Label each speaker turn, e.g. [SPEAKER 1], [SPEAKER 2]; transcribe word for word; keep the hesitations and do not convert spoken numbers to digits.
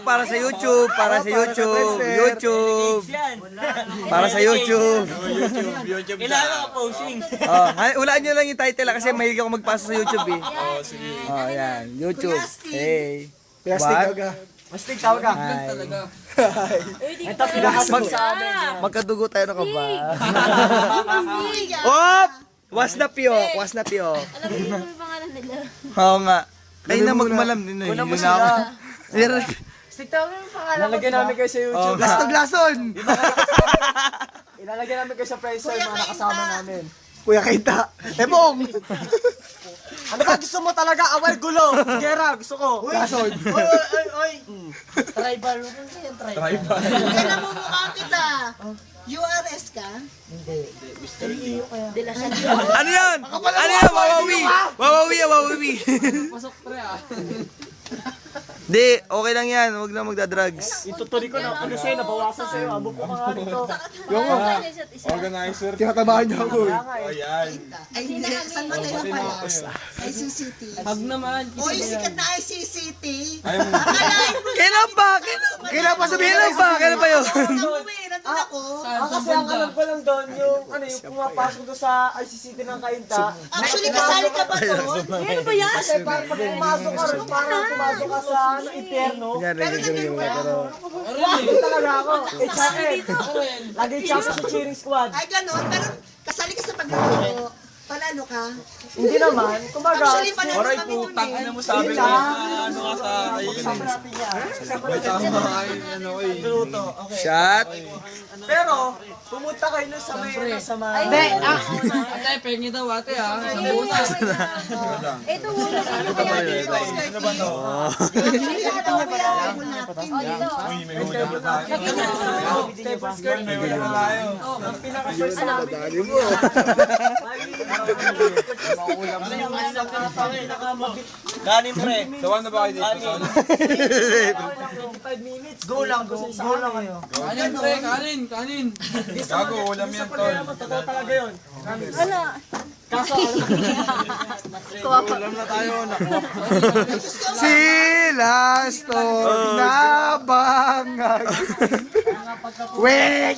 [SPEAKER 1] para sa YouTube, para sa YouTube, YouTube. Para sa YouTube.
[SPEAKER 2] Kailangan ka posing.
[SPEAKER 1] Oh, hay- hulaan nyo lang yung title ah, kasi mahilig ako magpasa sa YouTube eh.
[SPEAKER 2] Oo, sige.
[SPEAKER 1] Oh, yan, YouTube. Hey.
[SPEAKER 3] Plastic
[SPEAKER 1] What?
[SPEAKER 3] ka. Plastic tawag ka.
[SPEAKER 1] Hi.
[SPEAKER 3] Ito pinakasunod sa amin.
[SPEAKER 1] Magkadugo tayo na ka ba? Op! Was na piyok, was na piyok.
[SPEAKER 4] Alam mo yung pangalan nila.
[SPEAKER 1] Oo nga. Kayo na magmalam din eh.
[SPEAKER 3] Una mo
[SPEAKER 1] Yun na ako.
[SPEAKER 3] sila. Stick tawag yung pangalan. Ilalagay namin kayo sa
[SPEAKER 1] Oh,
[SPEAKER 3] YouTube.
[SPEAKER 1] gastong lason.
[SPEAKER 3] Ilalagay namin kayo sa Friendster, mga nakasama namin. Kuya Kainta. Ebong! Ano ba gusto mo talaga? Awal gulo. Gera, gusto ko. Lason.
[SPEAKER 2] Oy, oy, oy.
[SPEAKER 3] Tribal. Ano yan, tribal?
[SPEAKER 5] Kailan mo mukha kita? U R S ka?
[SPEAKER 4] De La Salle.
[SPEAKER 1] Ano yan? Ano yan? Wawawi. Wawawi, wawawi.
[SPEAKER 3] Pasok pre ah.
[SPEAKER 1] Di, okay lang yan. Huwag na magdadrugs.
[SPEAKER 3] Ituturi ko na ano sa'yo, nabawasan sa'yo. Abo po ka nga rito.
[SPEAKER 4] Yung mga isa.
[SPEAKER 2] Organizer.
[SPEAKER 3] Tinatabahan niyo ako.
[SPEAKER 2] Ayan.
[SPEAKER 5] Ay, hindi. Saan ba tayo pala? I C C T.
[SPEAKER 3] Pag naman.
[SPEAKER 5] Uy, sikat na I C C T.
[SPEAKER 2] Ayaw mo.
[SPEAKER 5] Akalain mo
[SPEAKER 1] Kailan ba? Kailan, kailan pa sabihin lang ba? Kailan pa yun?
[SPEAKER 5] na umuwi. Nandun ako.
[SPEAKER 3] Ah, kasi ang alam ko lang doon, yung ano yung pumapasok doon sa I C C T ng Kainta.
[SPEAKER 5] Actually, kasali ka ba doon?
[SPEAKER 4] Ano ba yan?
[SPEAKER 3] Kasi parang pag pumasok ka rin, parang pumasok ka sa ano, impyerno.
[SPEAKER 1] Yan, regular regular. Pero,
[SPEAKER 3] Hindi talaga ako. H R M. Lagi champion sa cheering squad.
[SPEAKER 5] Ay, ganun. Pero kasali ka sa paglaro. Panalo ka.
[SPEAKER 3] Hindi naman. Kumbaga,
[SPEAKER 5] Actually, panalo
[SPEAKER 2] Oray,
[SPEAKER 5] kami nun
[SPEAKER 2] putang
[SPEAKER 5] eh.
[SPEAKER 2] ina mo sabi ko. Ano ka sa ayun.
[SPEAKER 3] kasama natin yan.
[SPEAKER 2] May tama ay ano eh.
[SPEAKER 3] Luto. Okay.
[SPEAKER 1] shot.
[SPEAKER 3] Pero, pumunta kayo nun sa may, ano, sa mga...
[SPEAKER 4] Hindi,
[SPEAKER 3] ah.
[SPEAKER 6] Ate, pengi daw ate ha.
[SPEAKER 4] ito muna kayo kaya dito.
[SPEAKER 2] Ano ba to?
[SPEAKER 5] Actually, ano ba yung natin?
[SPEAKER 2] Uy, may hula pa tayo.
[SPEAKER 3] Table skirt.
[SPEAKER 2] May hula pa tayo.
[SPEAKER 3] Ang pinaka-first namin.
[SPEAKER 1] Dali mo.
[SPEAKER 2] Kanin pre. Sawan na ba kayo dito? Sawan na.
[SPEAKER 3] five minutes. Go lang, go, go lang kayo.
[SPEAKER 6] Kanin pre, kanin, kanin.
[SPEAKER 2] Gago, ulam yan tol.
[SPEAKER 3] Totoo talaga yun.
[SPEAKER 4] Wala.
[SPEAKER 3] Kaso,
[SPEAKER 2] Ulam na tayo.
[SPEAKER 1] Sila stone na bangag. Wait!